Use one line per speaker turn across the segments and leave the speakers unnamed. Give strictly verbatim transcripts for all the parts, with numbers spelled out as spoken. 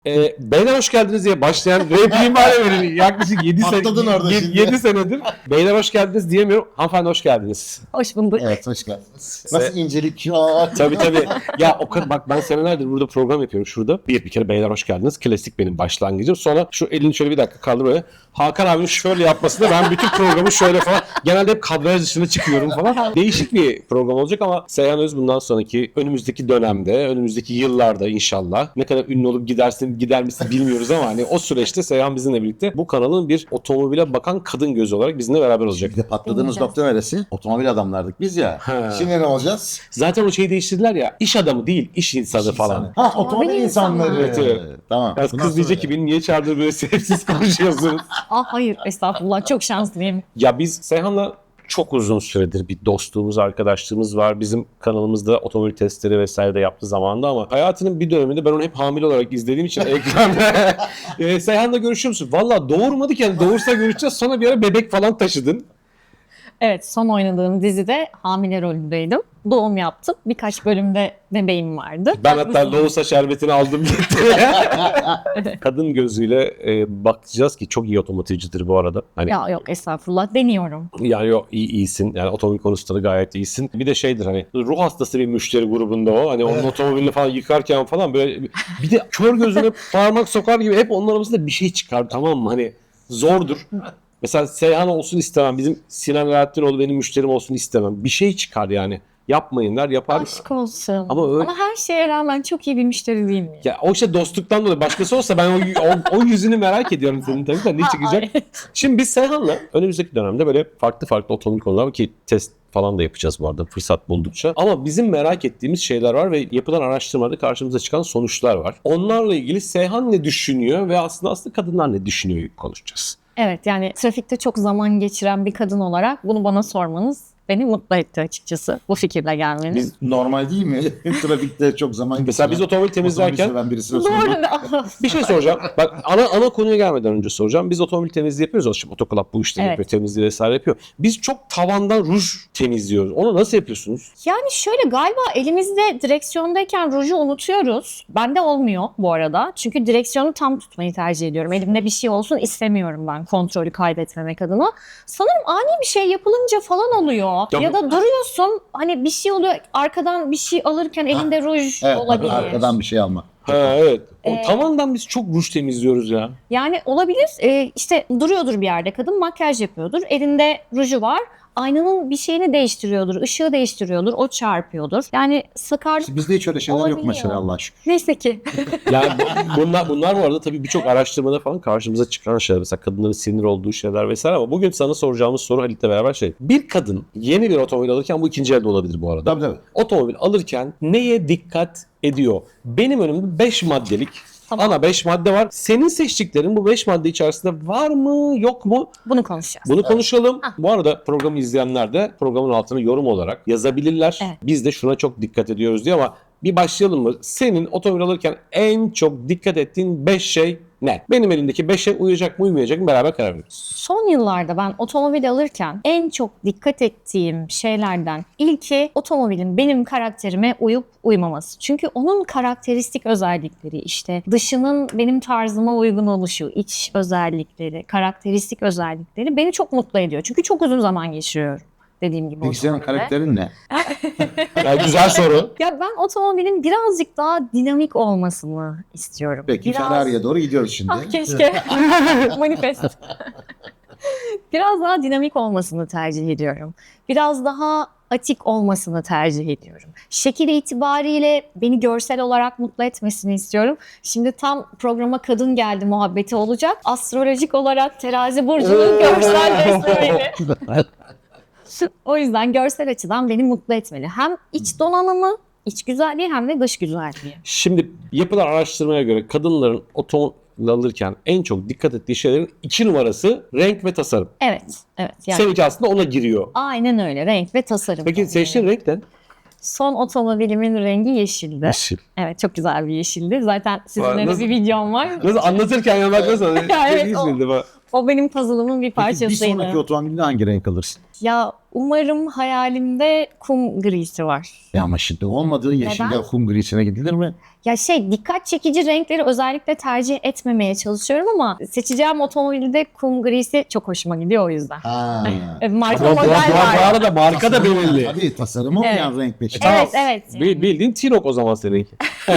Ee, beyler hoş geldiniz diye başlayan repliğim var ya benim yaklaşık yedi
Atladın orada şimdi.
yedi senedir. Beyler hoş geldiniz diyemiyorum. Hanımefendi hoş geldiniz.
Hoş bulduk.
Evet, hoş geldiniz. Nasıl incelik ya?
Tabii tabii. Ya o kadar bak, ben senelerdir burada program yapıyorum şurada. Bir bir kere beyler hoş geldiniz. Klasik benim başlangıcım. Sonra şu elini şöyle bir dakika kaldır böyle. Hakan abinin şöyle yapmasında ben bütün programı şöyle falan. Genelde hep kadraj dışına çıkıyorum falan. Değişik bir program olacak ama Seyhan Öz bundan sonraki önümüzdeki dönemde, önümüzdeki yıllarda inşallah ne kadar ünlü olup gidersin gider misin bilmiyoruz ama hani o süreçte Seyhan bizimle birlikte bu kanalın bir otomobile bakan kadın gözü olarak bizimle beraber olacak.
Bir de patladığımız nokta neresi? Otomobil adamlardık biz ya.
Ha.
Şimdi ne olacağız?
Zaten o şeyi değiştirdiler ya, iş adamı değil, iş insanı
İş
falan.
insanı. Ha, otomobil
Otomobil
insanları.
insanları.
Evet, evet.
Tamam.
Biraz
Bundan
kız diyecek
sonra-
ki beni niye çağırdı böyle sebepsiz konuşuyorsunuz.
Ah hayır, estağfurullah, çok şanslıyım.
Ya biz Seyhan'la çok uzun süredir bir dostluğumuz, arkadaşlığımız var. Bizim kanalımızda otomobil testleri vesaire de yaptığı zamanda ama hayatının bir döneminde ben onu hep hamile olarak izlediğim için ekranda e, Seyhan'la görüşüyor musun? Valla doğurmadık yani, doğursa görüşeceğiz, sonra bir ara bebek falan taşıdın.
Evet, son oynadığım dizide hamile rolündeydim. Doğum yaptım. Birkaç bölümde bebeğim vardı.
Ben hatta loğusa şerbetini aldım gitti. Kadın gözüyle e, bakacağız ki çok iyi otomotivcidir bu arada. Hani
Ya yok, estağfurullah, deniyorum.
yani yok, iyi, iyisin. Yani otomobil konusunda da gayet iyisin. Bir de şeydir, hani ruh hastası bir müşteri grubunda o. Hani onun otomobilini falan yıkarken falan böyle bir de kör gözüne parmak sokar gibi hep onun arasında bir şey çıkar, tamam mı? Hani zordur. Mesela Seyhan olsun istemem. Bizim Sinan Alaaddinoğlu benim müşterim olsun istemem. Bir şey çıkar yani. Yapmayın der, yapar.
Aşk olsun.
Ama öyle-
Ama her şeye rağmen çok iyi bir müşteri değil mi?
Ya o işte dostluktan dolayı. Başkası olsa ben o, o, o yüzünü merak ediyorum senin tabii de ne çıkacak.
Ay.
Şimdi biz Seyhan'la önümüzdeki dönemde böyle farklı farklı otomobil konular ki test falan da yapacağız bu arada fırsat buldukça. Ama bizim merak ettiğimiz şeyler var ve yapılan araştırmalarda karşımıza çıkan sonuçlar var. Onlarla ilgili Seyhan ne düşünüyor ve aslında aslında kadınlar ne düşünüyor konuşacağız.
Evet, yani trafikte çok zaman geçiren bir kadın olarak bunu bana sormanız beni mutlu etti açıkçası. Bu fikirle gelmeniz.
Biz normal değil mi? Trafikte çok zaman
Mesela
geçiren,
biz otomobil temizlerken
otomobil seven birisine
Doğru.
sorduk.
bir şey soracağım. Bak ana ana konuya gelmeden önce soracağım. Biz otomobil temizliği yapıyoruz. O şimdi Otoklap bu işleri
Evet.
yapıyor. Temizliği vesaire yapıyor. Biz çok tavandan ruj temizliyoruz. Onu nasıl yapıyorsunuz?
Yani şöyle, galiba elimizde direksiyondayken ruju unutuyoruz. Bende olmuyor bu arada. Çünkü direksiyonu tam tutmayı tercih ediyorum. Elimde bir şey olsun istemiyorum ben, kontrolü kaybetmemek adına. Sanırım ani bir şey yapılınca falan oluyor.
Ya-
Ya da duruyorsun, hani bir şey oluyor, arkadan bir şey alırken elinde ruj
Evet,
olabilir.
arkadan bir şey alma.
Ha evet. O
Ee,
tavandan biz çok ruj temizliyoruz ya.
Yani olabilir. Ee, işte duruyordur bir yerde kadın, makyaj yapıyordur. Elinde ruju var. Aynanın bir şeyini değiştiriyordur, ışığı değiştiriyordur, o çarpıyordur. Yani sakarlık
Bizde hiç öyle şeyler yok
Olabiliyor.
mesela, Allah şükür.
neyse ki.
Yani bu- bunlar bunlar bu arada tabii birçok araştırmada falan karşımıza çıkan şeyler. Mesela kadınların sinir olduğu şeyler vesaire ama bugün sana soracağımız soru Halit'le beraber şey. Bir kadın yeni bir otomobil alırken, bu ikinci elde olabilir bu arada.
Tabii tabii.
Otomobil alırken neye dikkat ediyor? Benim önümde beş maddelik
Tamam.
ana beş madde var. Senin seçtiklerin bu beş madde içerisinde var mı yok mu?
Bunu konuşacağız.
Bunu konuşalım.
Ah.
Bu arada programı izleyenler de programın altına yorum olarak yazabilirler.
Evet.
Biz de şuna çok dikkat ediyoruz diye ama bir başlayalım mı? Senin otomobil alırken en çok dikkat ettiğin beş şey ne? Benim elimdeki beşe uyacak mı uymayacak mı beraber karar veririz.
Son yıllarda ben otomobil alırken en çok dikkat ettiğim şeylerden ilki otomobilin benim karakterime uyup uymaması. Çünkü onun karakteristik özellikleri, işte dışının benim tarzıma uygun oluşu, iç özellikleri, karakteristik özellikleri beni çok mutlu ediyor. Çünkü çok uzun zaman geçiriyorum dediğim gibi
Peki senin
otomobilde.
karakterin ne?
Yani güzel soru.
Ya ben otomobilin birazcık daha dinamik olmasını istiyorum.
Peki
Biraz-
Ferrari'ye doğru gidiyoruz şimdi.
Ah keşke. Manifest. Biraz daha dinamik olmasını tercih ediyorum. Biraz daha atik olmasını tercih ediyorum. Şekil itibariyle beni görsel olarak mutlu etmesini istiyorum. Şimdi tam programa kadın geldi muhabbeti olacak. Astrolojik olarak terazi burcunun görsel desteğiyle. O yüzden görsel açıdan beni mutlu etmeli. Hem iç donanımı, iç güzelliği hem de dış güzelliği.
Şimdi yapılan araştırmaya göre kadınların otomobil alırken en çok dikkat ettiği şeylerin iki numarası renk ve tasarım.
Evet, evet. Yani
Seninki aslında ona giriyor.
aynen öyle. Renk ve tasarım.
Peki seçtiğin renk ne?
Son otomobilimin rengi yeşildi.
Yeşil.
Evet, çok güzel bir yeşildi. Zaten sizinle de
Nasıl-
bir videom var.
Nasıl anlatırken ya bak nasıl?
Ya evet,
Hiç
o-
bildim ha.
O benim puzzle'ımın bir
Peki bir
parçasıydı.
sonraki otomobilde hangi renk alırsın?
Ya umarım hayalimde kum grisi var.
Ya ama şimdi olmadığı yeşille
Neden?
kum grisine gidilir mi?
Ya şey dikkat çekici renkleri özellikle tercih etmemeye çalışıyorum ama seçeceğim otomobilde kum grisi çok hoşuma gidiyor o yüzden.
Ha.
E, Marka
Bu, bu, bu,
model
bu
var.
arada marka da belirli.
Tabii tasarımı olmayan renk peşi.
Evet evet.
Bil- Bildiğin T-Roc o zaman seninki.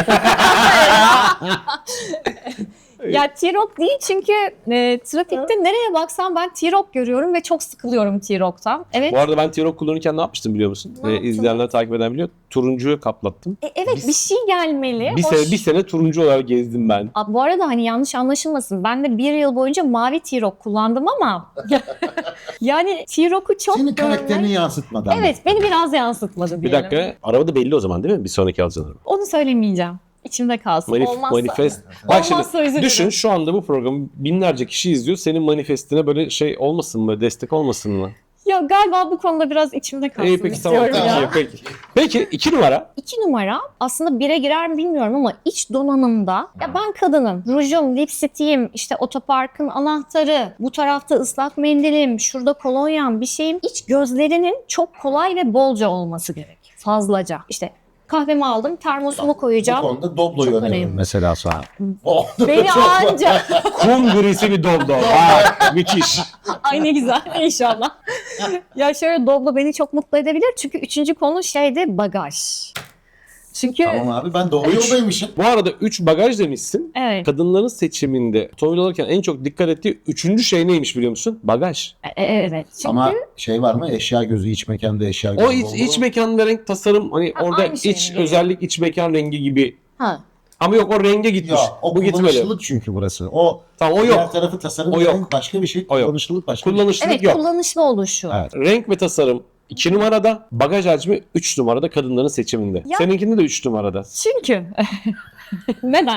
Ya T-Roc değil çünkü e, trafikte nereye baksam ben T-Roc görüyorum ve çok sıkılıyorum T-Roc'tan. Evet.
Bu arada ben T-Roc kullanırken ne yapmıştım biliyor musun?
Ne
Ee,
yaptın?
izleyenler takip eden biliyor. Turuncuyu kaplattım.
E, evet
Biz-
bir şey gelmeli.
Bir
Hoş.
sene, bir sene turuncu olarak gezdim ben.
Aa, bu arada hani yanlış anlaşılmasın. Ben de bir yıl boyunca mavi T-Roc kullandım ama yani T-Roc'u çok
Senin
görmek-
karakterini yansıtmadan.
Evet beni biraz yansıtmadı
Bir
diyelim.
dakika. Araba da belli o zaman değil mi? Bir sonraki alacağın araba.
Onu söylemeyeceğim. İçimde kalsın.
Manif-
Olmazsa.
manifest. Bak
Olmazsa
şimdi
üzülürüm.
düşün şu anda bu programı binlerce kişi izliyor. Senin manifestine böyle şey olmasın mı? Destek olmasın mı?
Ya galiba bu konuda biraz içimde kalsın
İyi peki tamam.
istiyorum ya.
Peki, peki. Peki iki numara.
İki numara aslında bire girer mi bilmiyorum ama iç donanımda ya ben kadınım. Rujum, lipstiğim, işte otoparkın anahtarı, bu tarafta ıslak mendilim, şurada kolonyam bir şeyim. İç gözlerinin çok kolay ve bolca olması gerek. Fazlaca. İşte kahvemi aldım, termosumu
Bu
koyacağım.
konuda Doblo'yu
Çok
öneririm
önemli.
mesela sana. Oh,
Beni
çok-
anca.
Kum grisi bir Doblo. Vay, müthiş.
Ay ne güzel inşallah. Ya şöyle Doblo beni çok mutlu edebilir çünkü üçüncü konu şeydi bagaj. Çünkü
Tamam abi ben doğru yoldaymışım.
Bu arada üç bagaj demişsin.
evet.
Kadınların seçiminde otomobil alırken en çok dikkat ettiği üçüncü şey neymiş biliyor musun? Bagaj.
E- e- evet. Çünkü
Ama şey var mı? Eşya gözü, iç mekanda eşya gözü.
O iç,
oldu.
iç mekan ve renk tasarım hani
Ha,
orada
aynı şey
iç
mi?
özellik iç mekan rengi gibi.
ha.
Ama yok o renge gitmiş.
Ya, o
Bu gitmedi.
kullanışlılık çünkü burası. O,
Tamam o
diğer
yok.
tarafı tasarım
O
ve
yok.
renk başka bir şey.
O yok.
Kullanışlılık başka bir
Kullanışlılık
Evet
yok.
kullanışlı oluşu.
Evet.
Renk ve tasarım iki numarada, bagaj hacmi üç numarada kadınların seçiminde.
Ya-
Seninkinde de üç numarada.
Çünkü neden?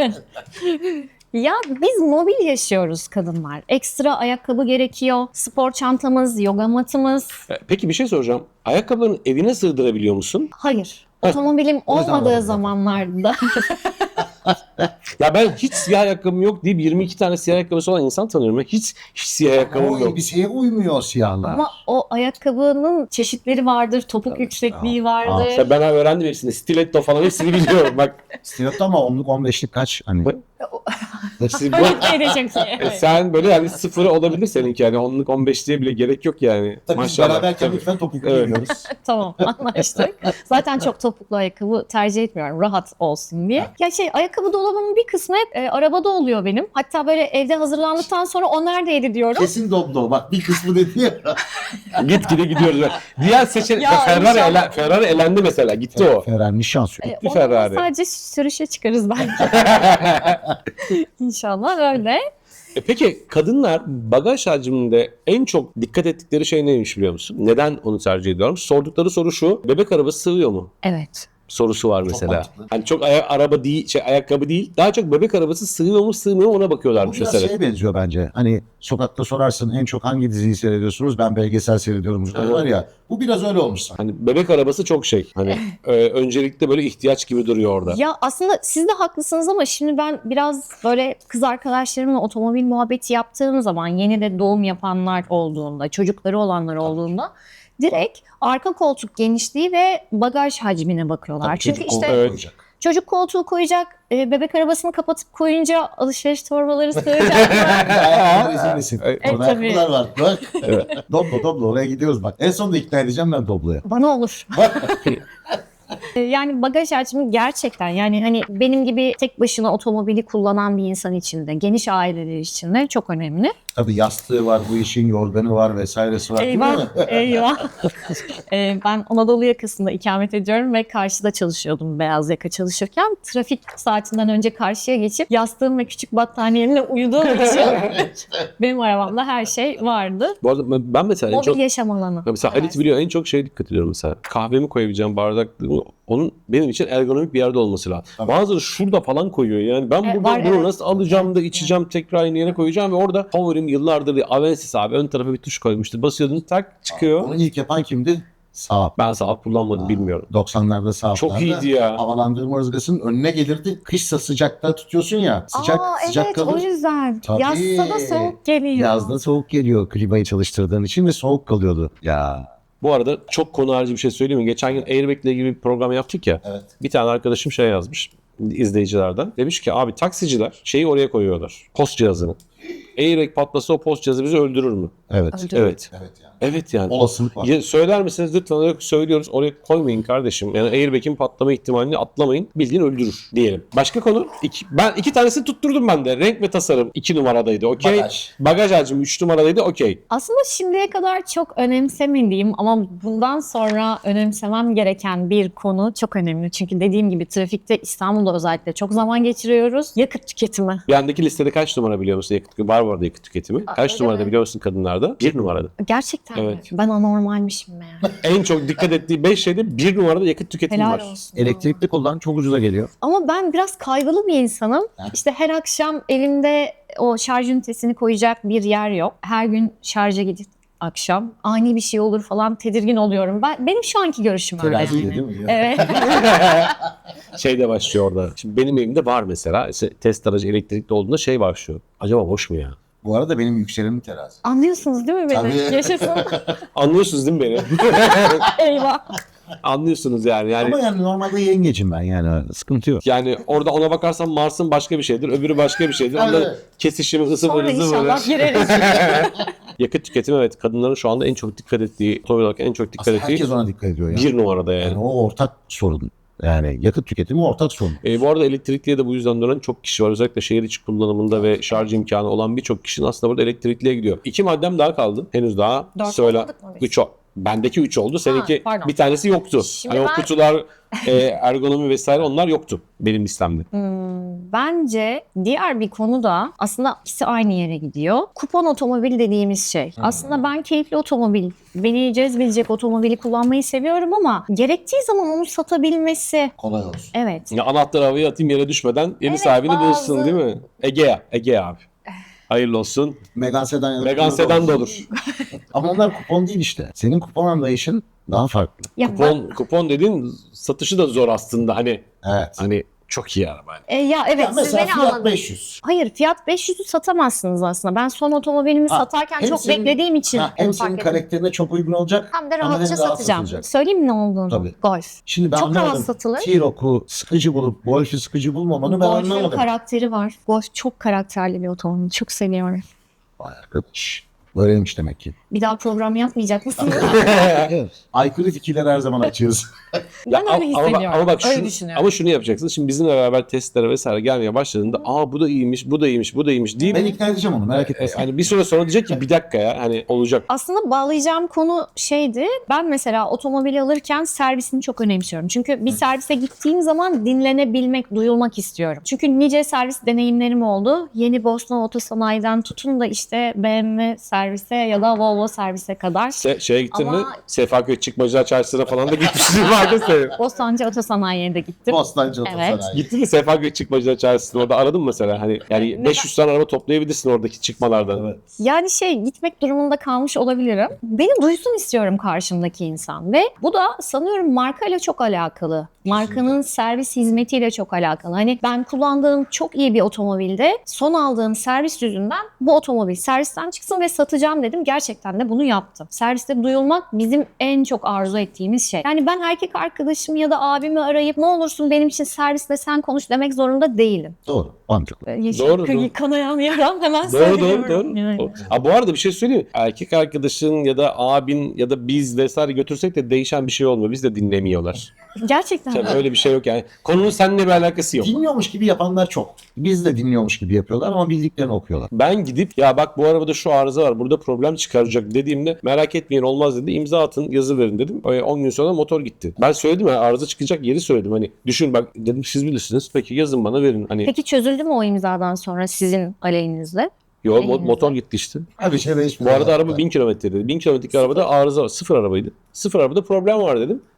Ya biz mobil yaşıyoruz kadınlar. Ekstra ayakkabı gerekiyor. Spor çantamız, yoga matımız.
E, Peki bir şey soracağım. Ayakkabılarını evine sığdırabiliyor musun?
Hayır.
Heh.
Otomobilim
O yüzden
olmadığı
alalım.
zamanlarda.
Ya ben hiç siyah ayakkabım yok deyip yirmi iki tane siyah ayakkabısı olan insan tanıyorum. Ben hiç, hiç siyah
şey.
ayakkabım
O
yok.
elbiseye uymuyor siyahlar.
Ama o ayakkabının çeşitleri vardır. Topuk
Tabii,
yüksekliği
tamam.
vardır.
İşte ben öğrendim hepsini. Stiletto falan hepsini biliyorum. Bak
Stiletto ama onluk on beşlik kaç? Hani.
siz bu,
Öyle de çok iyi.
E,
Evet.
sen böyle yani sıfırı olabilir seninki yani onluk on beşliğe bile gerek yok yani.
Tabii biz
Maşallah.
beraberken
Tabii.
lütfen topuklu
Evet.
giyiyoruz.
Tamam anlaştık. Zaten çok topuklu ayakkabı tercih etmiyorum rahat olsun diye. Ya şey ayakkabı dolabımın bir kısmı hep e, arabada oluyor benim. Hatta böyle evde hazırlandıktan sonra o neredeydi diyorum.
Kesin Doblo. Bak bir kısmı dedi ya.
Gitgide gidiyoruz. Diğer seçenek
Ya
Ferrari,
inşallah.
ele, Ferrari elendi mesela gitti o.
Ferrari şans yok.
E,
Gitti
o zaman
Ferrari.
sadece sürüşe çıkarız belki. İnşallah öyle.
E peki kadınlar bagaj hacminde en çok dikkat ettikleri şey neymiş biliyor musun? Neden onu tercih ediyorlar? Sordukları soru şu. Bebek arabası sığıyor mu?
Evet.
Sorusu var mesela.
mantıklı.
Hani çok aya- araba değil, şey ayakkabı değil. Daha çok bebek arabası sığıyor mu, sığmıyor mu ona
Bu
bakıyorlarmış
biraz
mesela.
şeye benziyor bence. Hani sokakta sorarsın en çok hangi diziyi seyrediyorsunuz? Ben belgesel seyrediyorum.
Evet.
Var ya. Bu biraz öyle olmuş sanki.
Hani bebek arabası çok şey. Hani e, öncelikle böyle ihtiyaç gibi duruyor orada.
Ya aslında siz de haklısınız ama şimdi ben biraz böyle kız arkadaşlarımla otomobil muhabbeti yaptığım zaman yeni de doğum yapanlar olduğunda, çocukları olanlar olduğunda direkt arka koltuk genişliği ve bagaj hacmine bakıyorlar.
Tabii
Çünkü
çocuk
işte
koltuğu
Evet.
koyacak.
çocuk koltuğu koyacak, e, bebek arabasını kapatıp koyunca alışveriş torbaları sığacak.
Ayakkabıları rezil misin?
Evet,
Orada
tabii.
ayakkabılar var. Bak. Doblo Doblo oraya gidiyoruz bak. En sonunda ikna edeceğim ben Doblo'ya.
Bana olur. E, Yani bagaj hacmi gerçekten yani hani benim gibi tek başına otomobili kullanan bir insan için de geniş aileler için de çok önemli.
Tabii yastığı var, bu işin yorganı var vesairesi var. değil mi?
Eyvah, eyvah. Ee, ben Anadolu yakasında ikamet ediyorum ve karşıda çalışıyordum beyaz yaka çalışırken. Trafik saatinden önce karşıya geçip yastığım ve küçük battaniyemle uyuduğum için benim arabamda her şey vardı.
Bu arada ben- ben mesela en
Mobil
çok
yaşam alanı.
mesela Halit biliyor en çok şeye dikkat ediyorum mesela. Kahvemi koyabileceğim bardak onun benim için ergonomik bir yerde olması lazım.
Tabii.
Bazıları şurada falan koyuyor. Yani ben
E,
buradan
var,
bunu
evet.
nasıl alacağım da içeceğim tekrar aynı yere koyacağım ve orada favorim yıllardır bir Avensis abi ön tarafa bir tuş koymuştu. Basıyordun tak çıkıyor.
Onu ilk yapan kimdi? Saab.
Ben Saab kullanmadım, bilmiyorum.
doksanlarda Saab'larda.
Çok iyiydi ya.
Havalandırma ızgasının önüne gelirdi. Kışsa sıcakta tutuyorsun ya. Sıcak
Aa,
sıcak
evet
kalır.
o yüzden.
Tabii.
Yazsa da soğuk geliyor.
Yazda soğuk geliyor klimayı çalıştırdığın için ve soğuk kalıyordu. Ya
Bu arada çok konu harici bir şey söyleyeyim mi? Geçen gün Airbag ile ilgili bir program yaptık ya.
evet.
Bir tane arkadaşım şey yazmış izleyicilerden. Demiş ki abi taksiciler şeyi oraya koyuyorlar. Post cihazını. Airbag patlasa o post cihazı bizi öldürür mü?
Evet.
Öldürür.
Evet.
Evet yani.
Evet yani.
Olasılık var.
Ya söyler misiniz lütfen, oraya söylüyoruz, oraya koymayın kardeşim. Yani airbag'in patlama ihtimalini atlamayın, bildiğin öldürür diyelim. Başka konu, iki, ben iki tanesini tutturdum ben de. Renk ve tasarım iki numaradaydı, okey.
Bagaj.
Bagaj hacmi üç numaradaydı, okey.
Aslında şimdiye kadar çok önemsemediğim ama bundan sonra önemsemem gereken bir konu çok önemli. Çünkü dediğim gibi trafikte İstanbul'da özellikle çok zaman geçiriyoruz. Yakıt tüketimi.
Yandaki listede kaç numara biliyor musun yakıt tüketimi? Var bu arada yakıt tüketimi.
Aa,
Kaç
öyle
numarada
mi?
biliyor musun kadınlarda? Bir numarada.
Gerçekten mi?
Evet.
Ben anormalmişim meğer.
En çok dikkat ettiği beş şeyde bir numarada yakıt tüketimi
Helal
var.
olsun.
Elektrikli kullan çok ucuza geliyor.
Ama ben biraz kaygılı bir insanım.
Ha.
İşte her akşam elimde o şarj ünitesini koyacak bir yer yok. Her gün şarja gidip akşam ani bir şey olur falan tedirgin oluyorum. Ben benim şu anki görüşüm öyle.
Terazi
yani.
değil mi?
Evet.
Şey de başlıyor orada. Şimdi benim evimde var mesela. İşte test aracı elektrikli olduğunda şey başlıyor. Acaba boş mu ya?
Bu arada benim yükselenim terazi.
Anlıyorsunuz değil mi beni?
Tabii.
Yaşasın.
Anlıyorsunuz değil mi beni?
Eyvah.
Anlıyorsunuz yani. Yani
Ama yani normalde yengecim ben yani sıkıntı yok.
Yani orada ona bakarsan Mars'ın başka bir şeydir, öbürü başka bir şeydir. Onların
Evet.
kesişimi, ısı
Sonra
böyle, ısı
inşallah
böyle.
gireriz.
Yakıt tüketimi, evet, kadınların şu anda en çok dikkat ettiği, otomobil olarak en çok dikkat
Aslında
ettiği
herkes ona dikkat ediyor yani.
bir numarada yani.
Yani o ortak sorun. Yani yakıt tüketimi ortak sorun.
E, bu arada elektrikliye de bu yüzden dönen çok kişi var. Özellikle şehir içi kullanımında ve şarj imkanı olan birçok kişinin aslında burada elektrikliye gidiyor. İki maddem daha kaldı. Henüz daha
Dört
söyle.
olmadık mı biz?
Üç o. Bendeki üç oldu. Seninki
pardon.
bir tanesi yoktu.
Şimdi
hani
ben-
o kutular, e, ergonomi vesaire onlar yoktu benim listemde.
Hmm, bence diğer bir konu da aslında ikisi aynı yere gidiyor. Kupon otomobil dediğimiz şey. Aslında ben keyifli otomobil, beni cezbedecek otomobili kullanmayı seviyorum ama gerektiği zaman onu satabilmesi.
Kolay olsun.
Evet.
Ya anahtarı havaya atayım yere düşmeden yeni
Evet,
sahibini
bazı-
bulsun değil mi? Egea, Egea abi. Hayırlı olsun.
Megane sedan ya da
Megane
Peugeot
sedan da
olsun.
olur.
Ama onlar kupon değil işte. Senin kupon anlayışın daha farklı.
Ya
Kupon, kupon dediğin satışı da zor aslında. Hani
Evet.
hani çok iyi araba.
ben- e, ya evet
Ya
siz
mesela
beni
fiyat
anladınız.
beş yüz.
Hayır fiyat beş yüzü satamazsınız aslında. Ben son otomobilimi
Ha,
satarken
hem
çok
senin-
beklediğim için
Ha, hem
onu
senin
fark ettim.
karakterine çok uygun olacak.
Hem de
ama
rahatça
hem rahat
satacağım.
satılacak.
Söyleyeyim mi ne olduğunu?
Tabii.
Golf.
Şimdi ben
Çok rahat
anlamadım.
satılır.
T-Roc'u sıkıcı bulup Golf'ü sıkıcı bulmamanı ben
Golf'ün
anlamadım.
karakteri var. Golf çok karakterli bir otomobil. Çok seviyorum.
Vay arkadaş. Böyleymiş demek ki.
Bir daha program yapmayacak mısınız?
Evet. Aykırı fikirler her zaman açığız.
Ben öyle
ama,
hissediyorum.
Ama, ama bak
öyle
şunu,
düşünüyorum.
ama şunu yapacaksın. Şimdi bizimle beraber testlere vesaire gelmeye başladığında aa bu da iyiymiş, bu da iyiymiş, bu da iyiymiş deyip
Ben ikna edeceğim onu merak etme.
e, hani bir süre sonra diyecek ki bir dakika ya hani olacak.
Aslında bağlayacağım konu şeydi. Ben mesela otomobili alırken servisini çok önemsiyorum. Çünkü bir servise gittiğim zaman dinlenebilmek, duyulmak istiyorum. Çünkü nice servis deneyimlerim oldu. Yeni Bosna Otosanayi'den tutun da işte B M W servise ya da Volvo servise kadar.
Se, şeye gittin
Ama-
mi? Sefaköy Çıkmacılar Çarşısı'na falan da gitmişsin vardı senin.
Bostancı Otosanayi'ye de gittim.
Bostancı
Evet.
Otosanayi.
Gittin mi Sefaköy Çıkmacılar Çarşısı'na orada aradın mı mesela? Hani yani
Neden?
beş yüz tane araba toplayabilirsin oradaki çıkmalardan.
Evet.
Yani şey gitmek durumunda kalmış olabilirim. Beni duysun istiyorum karşımdaki insan ve bu da sanıyorum markayla çok alakalı. Markanın servis hizmetiyle çok alakalı. Hani ben kullandığım çok iyi bir otomobilde son aldığım servis yüzünden bu otomobil servisten çıksın ve satacağım dedim. Gerçekten de bunu yaptım. Serviste duyulmak bizim en çok arzu ettiğimiz şey. Yani ben erkek arkadaşımı ya da abimi arayıp ne olursun benim için servisle sen konuş demek zorunda değilim.
Doğru. Mantıklı.
Yeşil
Doğru,
kı-
doğru.
kanayan yaram hemen
Doğru
söylüyorum.
doğru doğru.
Evet.
Ha, bu arada bir şey söyleyeyim mi? Erkek arkadaşın ya da abin ya da biz vesaire götürsek de değişen bir şey olmuyor. Biz de dinlemiyorlar.
Gerçekten.
Tabii öyle bir şey yok yani. Konunun seninle bir alakası yok.
Dinliyormuş gibi yapanlar çok. Biz de dinliyormuş gibi yapıyorlar ama bildiklerini okuyorlar.
Ben gidip ya bak bu arabada şu arıza var burada problem çıkaracak dediğimde merak etmeyin olmaz dedi, imza atın yazı verin dedim. on gün sonra motor gitti. Ben söyledim ya arıza çıkacak yeri söyledim hani düşün bak dedim siz bilirsiniz peki yazın bana verin hani.
Peki çözüldü mü o imzadan sonra sizin aleyhinizde?
Yo mo-
Elinizde.
motor gitti işte.
Her bir şey
Bu
değişmiyor.
arada araba bin kilometreydi. bin kilometrelik arabada arıza var. Sıfır arabaydı. Sıfır arabada problem var dedim.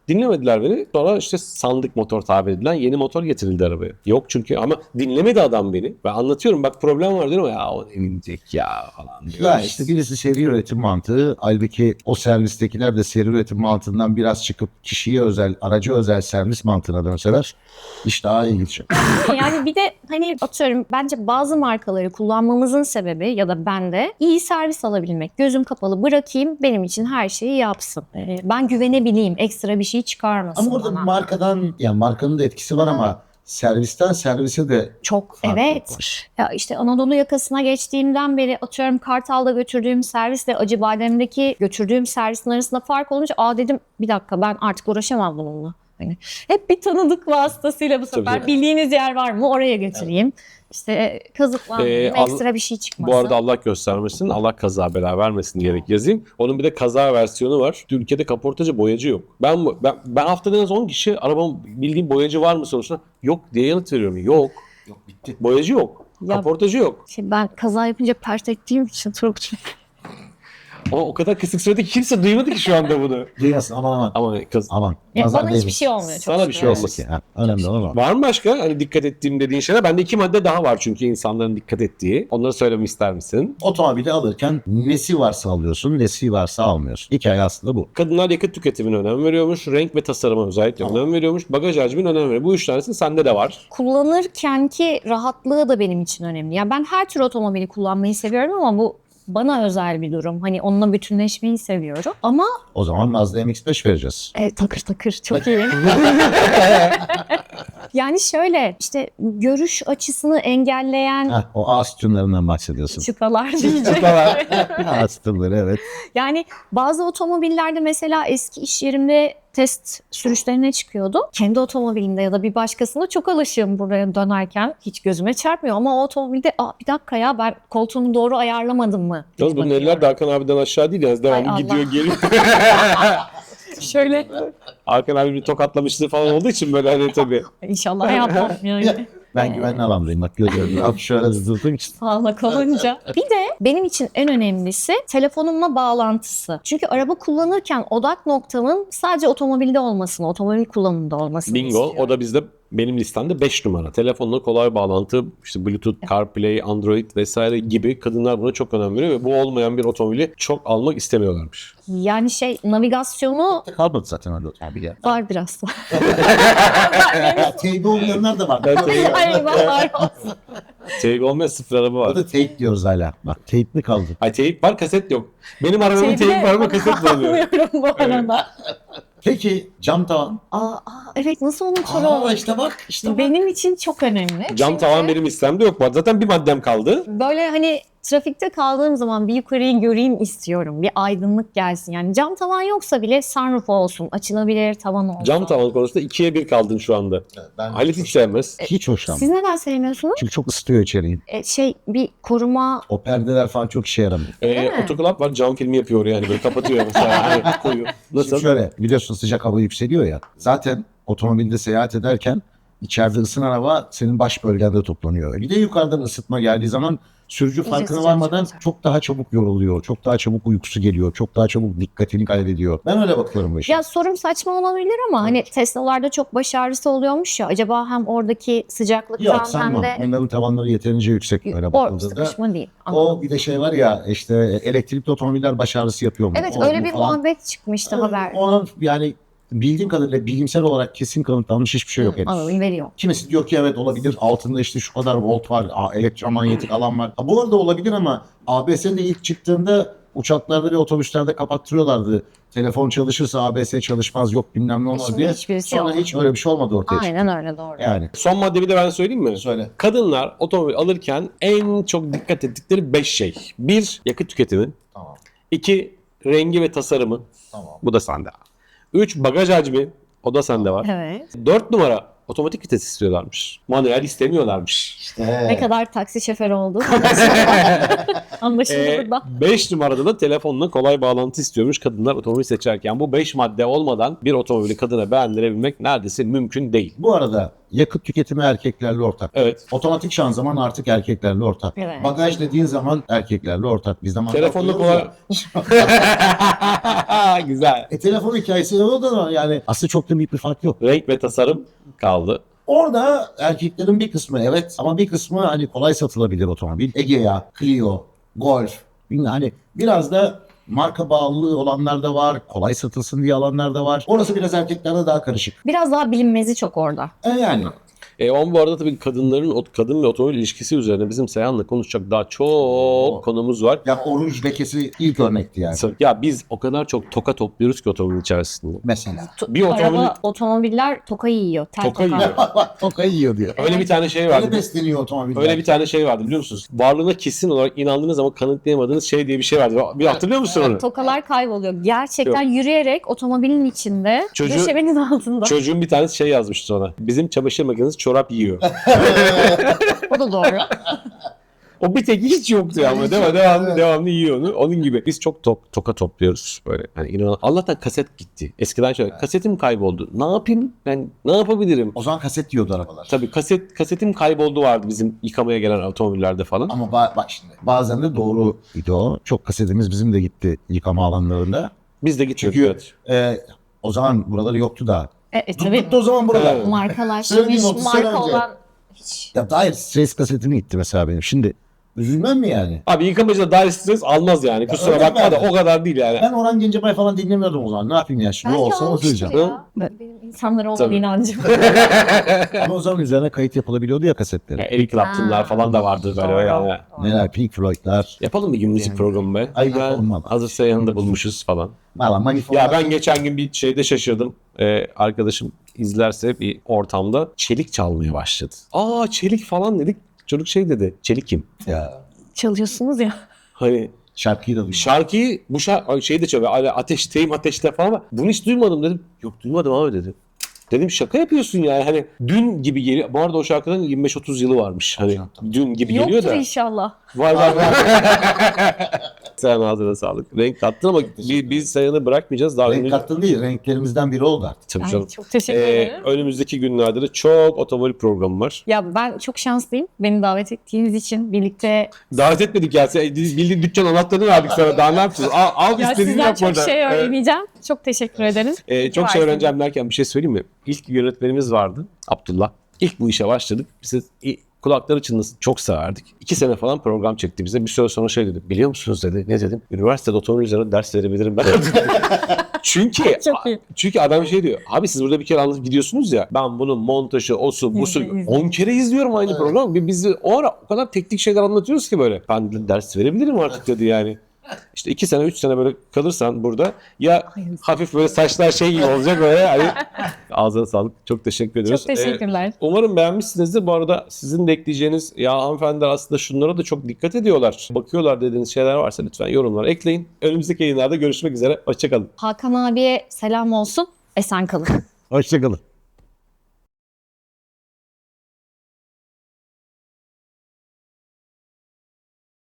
Dinlemediler beni. Sonra işte sandık motor tabir edilen yeni motor getirildi arabaya. Yok çünkü ama dinlemedi adam beni. Ben anlatıyorum bak problem var diyorum ya o ne bilecek ya falan diyor.
Ya işte birisi seri üretim mantığı. Halbuki o servistekiler de seri üretim mantığından biraz çıkıp kişiye özel, araca özel servis mantığına dönseler iş daha iyi gidecek.
Yani bir de hani atıyorum bence bazı markaları kullanmamızın sebebi ya da ben de iyi servis alabilmek. Gözüm kapalı bırakayım benim için her şeyi yapsın. Ee, ben güvenebileyim ekstra bir şey çıkarmasın
Ama orada
bana.
markadan, yani markanın da etkisi var ama servisten servise de
Çok
farklılık
evet.
var.
Ya işte Anadolu yakasına geçtiğimden beri atıyorum Kartal'da götürdüğüm servisle Acıbadem'deki götürdüğüm servisin arasında fark olunca aa dedim bir dakika ben artık uğraşamam bununla. Hani hep bir tanıdık vasıtasıyla bu sefer
Tabii.
bildiğiniz yer var mı oraya götüreyim. İşte kazıklanmayayım,
Ee, al-
ekstra bir şey çıkmasın.
Bu arada Allah göstermesin, Allah kaza bela vermesin diyerek yazayım. Onun bir de kaza versiyonu var. Ülkede kaportacı boyacı yok. Ben ben, ben haftada en az on kişi arabamın bildiğim boyacı var mı sorusuna yok diye yanıt veriyorum. Yok.
Yok bitti.
Boyacı yok.
Ya-
Kaportacı yok.
Şey, ben kaza yapınca pert ettiğim için Turgut'cum.
Ama o kadar kısık sürede ki kimse duymadı ki şu anda bunu.
Duymasın aman aman.
Ama kız,
Aman.
Ya
Nazar
bana hiçbir
değmesin.
şey olmuyor. Çok
Sana bir
şükür.
şey olmasın.
Ha, önemli olan o.
var mı başka hani dikkat ettiğim dediğin şeyler? Bende iki madde daha var çünkü insanların dikkat ettiği. Onları söylemek ister misin?
Otomobili alırken nesi varsa alıyorsun, nesi varsa almıyorsun. Hikaye aslında bu.
Kadınlar yakıt tüketimine önem veriyormuş. Renk ve tasarıma özellikle
Tamam.
önem veriyormuş. Bagaj hacmine önem veriyor. Bu üç tanesi sende de var.
Kullanırkenki rahatlığı da benim için önemli. Ya ben her tür otomobili kullanmayı seviyorum ama bu bana özel bir durum. Hani onunla bütünleşmeyi seviyorum. Ama
O zaman Mazda M X beş vereceğiz.
e, takır takır çok iyi. Yani şöyle işte görüş açısını engelleyen
Heh, o A sütunlarından bahsediyorsun.
çıtalar diyecek.
A sütunları evet.
Yani bazı otomobillerde mesela eski iş yerimde test sürüşlerine çıkıyordu. Kendi otomobilimde ya da bir başkasında çok alışığım buraya dönerken. Hiç gözüme çarpmıyor ama o otomobilde aa, bir dakika ya ben koltuğumu doğru ayarlamadım mı?
Yalnız bunun
Bakıyorum.
eller de Hakan abiden aşağı değil. Yani devamlı
Ay
gidiyor
Allah.
geliyor.
Şöyle
Hakan abi bir tokatlamışlığı falan olduğu için böyle hani tabii.
inşallah yapmam yani.
Ben güvenli alandayım bak görüyorum. Abi şöyle zızdırdığım için.
Sağlık olunca. Bir de benim için en önemlisi telefonumla bağlantısı. Çünkü araba kullanırken odak noktamın sadece otomobilde olmasını, otomobil kullanımında olmasını
Bingo.
istiyorum.
O da bizde benim listemde beş numara. Telefonla kolay bağlantı, işte Bluetooth, CarPlay, Android vesaire gibi kadınlar buna çok önem veriyor ve bu olmayan bir otomobili çok almak istemiyorlarmış.
Yani şey navigasyonu
Kalmadı zaten öyle otomobil ya.
var biraz.
Teybi olmayanlar da var.
Ay var olsun.
Teyip olmayan sıfır araba
O
var.
da teyp diyoruz hala. Bak teyp mi kaldı?
Ay teyip var, kaset yok. Benim arabamın
Teybi
teyip var ama kaset bulamıyor.
anlıyorum bu arada.
Peki cam tavan.
Aa, aa, evet nasıl
Aa
unuturum?
işte bak işte bak.
Benim için çok önemli.
Cam
Çünkü
tavan benim listemde yok. Zaten bir maddem kaldı.
böyle hani trafikte kaldığım zaman bir yukarıyı göreyim istiyorum. Bir aydınlık gelsin. Yani cam tavan yoksa bile sunroof olsun. Açılabilir tavan olsun.
Cam tavan konusunda ikiye bir kaldın şu anda.
Ben
Halit hiç sevmez.
hiç hoşlanmam.
Siz neden sevmiyorsunuz?
Çünkü çok ısıtıyor içeriği.
E, şey bir koruma
O perdeler falan çok işe yaramıyor.
Ee,
mi?
otoklap var, cam filmi yapıyor yani böyle kapatıyor mesela. Hani koyuyor. Nasıl?
Şimdi şöyle biliyorsun sıcak hava yükseliyor ya. Zaten otomobilde seyahat ederken içeride ısınan hava senin baş bölgende toplanıyor. Bir de yukarıdan ısıtma geldiği zaman sürücü
İyice
farkına
sıcak
varmadan
çıkacak.
çok daha çabuk yoruluyor. Çok daha çabuk uykusu geliyor. Çok daha çabuk dikkatini kaybediyor. Ben öyle bakıyorum bu işe.
Ya sorum saçma olabilir ama hani Tesla'larda çok baş ağrısı oluyormuş ya. Acaba hem oradaki sıcaklıktan
Yok
hem
sanmam.
de
Onların tavanları yeterince yüksek öyle
o
bakıldığında.
sıkışma değil.
O
Anladım.
bir de şey var ya işte elektrikli otomobiller baş ağrısı yapıyor mu?
Evet
O,
öyle
bu
bir
falan.
muhabbet çıkmıştı haber.
Ona yani bildiğim kadarıyla bilimsel olarak kesin kanıtlanmış hiçbir şey yok henüz.
Anladım veriyor.
Kimisi diyor ki evet olabilir. Altında işte şu kadar volt var. a- Elektromanyetik alan var. Ha, bu arada olabilir ama A B S'nin de ilk çıktığında uçaklarda ve otobüslerde kapattırıyorlardı. Telefon çalışırsa A B S çalışmaz yok bilmem ne olmaz
Şimdi
diye.
hiçbirisi
Sonra
yok.
hiç öyle bir şey olmadı ortaya çıktı.
Aynen öyle doğru.
Yani
Son madde bir de ben söyleyeyim mi?
söyle.
Kadınlar otomobil alırken en çok dikkat ettikleri beş şey. Bir, yakıt tüketimi.
Tamam.
İki, rengi ve tasarımı.
Tamam.
Bu da sende. Üç, bagaj hacmi. O da sende var.
Evet.
Dört numara, otomatik vites istiyorlarmış. Manuel istemiyorlarmış.
İşte.
Ne kadar taksi şoförü oldu. Anlaşıldı
Ee,
burada.
beş numarada da telefonla kolay bağlantı istiyormuş kadınlar otomobil seçerken. Bu beş madde olmadan bir otomobili kadına beğendirebilmek neredeyse mümkün değil.
Bu arada yakıt tüketimi erkeklerle ortak.
Evet.
Otomatik şanzıman artık erkeklerle ortak.
Evet.
Bagaj dediğin zaman erkeklerle ortak. Biz zaman
Telefonda
bakıyoruz
kolay.
ya.
Güzel.
E telefon hikayesi o da yani aslında çok da büyük bir fark yok.
Renk ve tasarım kaldı.
Orada erkeklerin bir kısmı evet ama bir kısmı hani kolay satılabilir otomobil. Egea, Clio, Golf. Bilmiyorum, hani biraz da marka bağlılığı olanlar da var. Kolay satılsın diye alanlar da var. Orası biraz erkeklerde daha karışık.
Biraz daha bilinmezi çok orada.
E yani.
E on bu arada tabii kadınların, o- kadın ve otomobil ilişkisi üzerine bizim Seyhan'la konuşacak daha çok konumuz var.
Ya oruç lekesi ilk örnekti yani.
Ya biz o kadar çok toka topluyoruz ki otomobil içerisinde.
Mesela.
To-
Bir otomobil-
Araba, otomobiller toka yiyor. Tel
Toka
toka.
yiyor.
Tokayı yiyor diyor.
Öyle bir tane şey
Öyle
vardı.
besleniyor otomobiller.
Öyle bir tane şey vardı biliyor musunuz? Varlığına kesin olarak inandığınız ama kanıtlayamadığınız şey diye bir şey vardı. Bir hatırlıyor musun onu?
Tokalar kayboluyor. Gerçekten yürüyerek otomobilin içinde,
Çocuğu-
döşemenin altında.
Çocuğun bir tanesi şey yazmıştı sonra. Bizim çamaşır makinesi çorap yiyor.
O da doğru.
O bir tek hiç yoktu ya ama değil mi? Devamlı, devamlı yiyor onu. Onun gibi. Biz çok tok, toka topluyoruz böyle. Hani inan Allah'tan kaset gitti. Eskiden şöyle kasetim kayboldu. Ne yapayım? Ben ne yapabilirim?
O zaman kaset yiyordu arabalar.
Tabii kaset kasetim kayboldu vardı bizim yıkamaya gelen otomobillerde falan.
Ama ba- bak şimdi bazen de doğru idi o. Çok kasetimiz bizim de gitti yıkama alanlarında.
Biz de gittik.
Çünkü
Evet.
e, o zaman buraları yoktu da.
E, e, tabii
Tuttu o zaman buralar.
Evet.
markalaşmış,
Söyleyeyim otuz sene
marka
önce.
olan hiç.
Ya dair stres kasetini gitti mesela benim. Şimdi üzülmem mi yani?
Abi yıkamacıda dair stres almaz yani. Kusura
öyle
bakma da
mi?
o kadar değil yani.
Ben Orhan Gencebay falan dinlemiyordum o zaman. Ne yapayım ya? Şimdi
Belki
olsa
almıştır
oturacağım.
ya. Benim insanlara olan
Tabii.
inancım.
Ama o zaman üzerine kayıt yapılabiliyordu ya kasetleri.
Yani Eric Clapton'lar
Ha.
falan da vardı böyle
Doğru.
yani.
Neler Pink Floyd'lar.
Yapalım bir gün müzik programı be.
Ay,
Ben
yapalım valla.
hazır Seyhan'ı bulmuşuz falan.
Valla manifold.
Ya ben geçen gün bir şeyde şaşırdım. Ee, arkadaşım izlerse bir ortamda çelik çalmaya başladı. Aa çelik falan dedik. Çocuk şey dedi. Çelik kim?
Ya,
Çalıyorsunuz ya.
Hani
şarkıyı da duydum.
şarkıyı bu şarkı şeyi de çalıyor. Hani ateşteyim ateşte falan ama bunu hiç duymadım dedim. Yok duymadım abi dedi. Dedim şaka yapıyorsun yani hani dün gibi geliyor. Bu arada o şarkının yirmi beş otuz yılı varmış. Hani dün gibi geliyor
Yoktur
da.
inşallah.
Var var var. Sen ağzına sağlık. Renk kattın ama biz, biz Seyhan'ı bırakmayacağız. Daha
Renk
önümüz-
kattın değil, renklerimizden biri oldu artık.
Tabii
Ay,
canım.
çok teşekkür
Ee,
ederim.
önümüzdeki günlerde de çok otomobil programı var.
Ya ben çok şanslıyım. Beni davet ettiğiniz için birlikte.
Davet etmedik ya. Sen- biz Bildiğin dükkan anahtarını verdik sana. Daha ne yapacağız? Al, al
Ya
istediğini
sizden
yap
çok
burada.
şey
Evet.
öğreneceğim. Çok teşekkür ederim.
Ee, çok şey
Varsın.
öğreneceğim derken bir şey söyleyeyim mi? İlk yönetmenimiz vardı. Abdullah. İlk bu işe başladık. Bize i- kulakları çınlasın çok severdik. İki sene falan program çekti bize. Bir süre sonra şey dedi. Biliyor musunuz dedi. Ne dedim? Üniversitede otomobil üzerine ders verebilirim ben. Çünkü
Çok iyi.
çünkü adam şey diyor. Abi siz burada bir kere anlatıp gidiyorsunuz ya. Ben bunun montajı, osu, busu
İzle, izle.
on kere izliyorum aynı
Evet.
programı. Biz o ara o kadar teknik şeyler anlatıyoruz ki böyle. Ben de ders verebilirim artık dedi yani. İşte iki sene, üç sene böyle kalırsan burada ya
Hayırlısı.
hafif böyle saçlar şey gibi olacak böyle. Hani, ağzına sağlık. Çok teşekkür ediyoruz.
Çok teşekkürler.
Ee, umarım beğenmişsinizdir. Bu arada sizin de ekleyeceğiniz ya hanımefendiler aslında şunlara da çok dikkat ediyorlar. Bakıyorlar dediğiniz şeyler varsa lütfen yorumlara ekleyin. Önümüzdeki yayınlarda görüşmek üzere. Hoşçakalın.
Hakan abiye selam olsun. Esen kalın.
Hoşçakalın.